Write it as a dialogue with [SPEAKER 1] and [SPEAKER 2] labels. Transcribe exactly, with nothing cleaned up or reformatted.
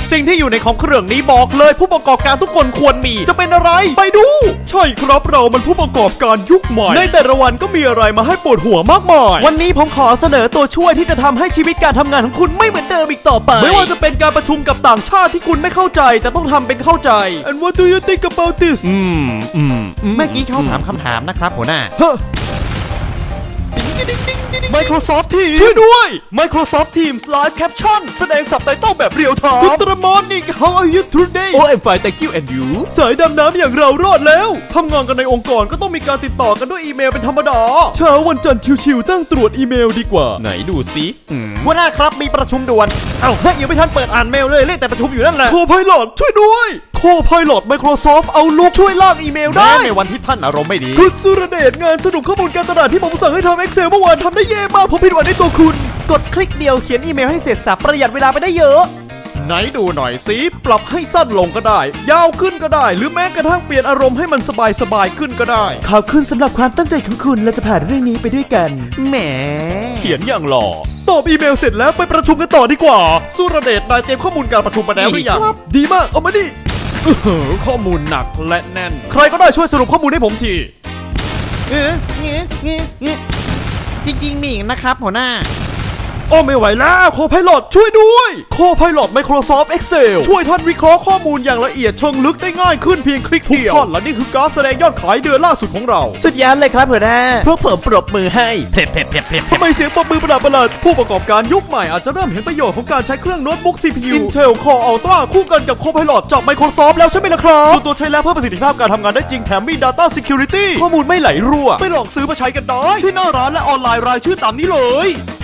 [SPEAKER 1] สิ่งที่อยู่ในของเครื่องนี้บอกเลยผู้ประกอบการทุกคนควรมีจะเป็นอะไรไปดูใช่ครับเรามันผู้ประกอบการยุคใหม่ในแต่ละวันก็มีอะไรมาให้ปวดหัวมากมายวันนี้ผมขอเสนอตัวช่วยที่จะทำให้ชีวิตการทำงานของคุณไม่เหมือนเดิมอีกต่อไปไม่ว่าจะเป็นการประชุมกับต่างชาติที่คุณไม่เข้าใจแต่ต้องททำเป็นเข้าใจ and what do you think about this
[SPEAKER 2] อืมอืมเมื่อกี้เขาถามคำถามนะครับหัวหน้า
[SPEAKER 1] Microsoft Teams ช่วยด้วย Microsoft Teams Live Caption แสดงซับไตเติลแบบเรียลไทม์ Good morning how are you today Oh I'm fine thank you and you สายดำน้ำอย่างเรารอดแล้วทำงานกันในองค์กรก็ต้องมีการติดต่อกันด้วยอีเมลเป็นธรรมดาเช้าวันจันทร์ชิวๆตั้งตรวจอีเมลดีกว่าไหนดูซิหัวหน้าครับมีประชุมด่วนเอ้ายังไม่ทันเปิดอ่านเมลเลยเล่นแต่ประชุมอยู่นั่นแหละ Co-pilot ช่วยด้วย Co-pilot Microsoft Outlook ช่วยลากอีเมลได้ในวันที่ท่านอารมณ์ไม่ดีคุณสุรเดชงานสนุกข้อมูลการตลาดที่ผมสั่งให้ทำ Excel เมื่อวานทำได้เย่มากผมผิดหวังในตัวคุณกดคลิกเดียวเขียนอีเมลให้เสร็จสับประหยัดเวลาไปได้เยอะไหนดูหน่อยสิปรับให้สั้นลงก็ได้ยาวขึ้นก็ได้หรือแม้กระทั่งเปลี่ยนอารมณ์ให้มันสบายสบายขึ้นก็ได้ขอบคุณสำหรับความตั้งใจของคุณและจะผ่านเรื่องนี้ไปด้วยกันแหมเขียนอย่างหล่อตอบอีเมลเสร็จแล้วไปประชุมกันต่อดีกว่าสุรเดชนายเตรียมข้อมูลการประชุมมาแล้วหรือยังดีมากเอามาดิข้อมูลหนักและแน่นใครก็ได้ช่วยสรุปข้อมูลให้ผมทีเอ๊ะเงี้ยเงี้ยเงี้ย
[SPEAKER 2] จริงๆมีอีกนะครับหัวหน้า
[SPEAKER 1] โอ้ไม่ไหวแล้วโคไพลอตช่วยด้วยโคไพลอต Microsoft Excel ช่วยท่านวิเคราะห์ข้อมูลอย่างละเอียดเชิงลึกได้ง่ายขึ้นเพียงคลิกเดียวทุกท่อนและนี่คือการแสดงยอดขายเดือนล่าสุดของเรา
[SPEAKER 2] สุดยอดเลยครับหัวหน้าพวกผมปรบมือให้เพลบเพลบเพลบเพลบ
[SPEAKER 1] ทำไมเสียงปรบมือประหลาดประหลาดผู้ประกอบการยุคใหม่อาจจะเริ่มเห็นประโยชน์ของการใช้เครื่องโน้ตบุ๊ก ซี พี ยู Intel Core Ultra คู่กันกับ Copilot จาก Microsoft แล้วใช่ไหมล่ะครับส่วนตัวใช้แล้วเพิ่มประสิทธิภาพการทำงานได้จริงแถมมี Data Security ข้อมูลไม่ไหลรั่วไปลองซื้อมาใช้กันได้ที่หน้าร้านและออนไลน์รายชื่อตามนี้เลย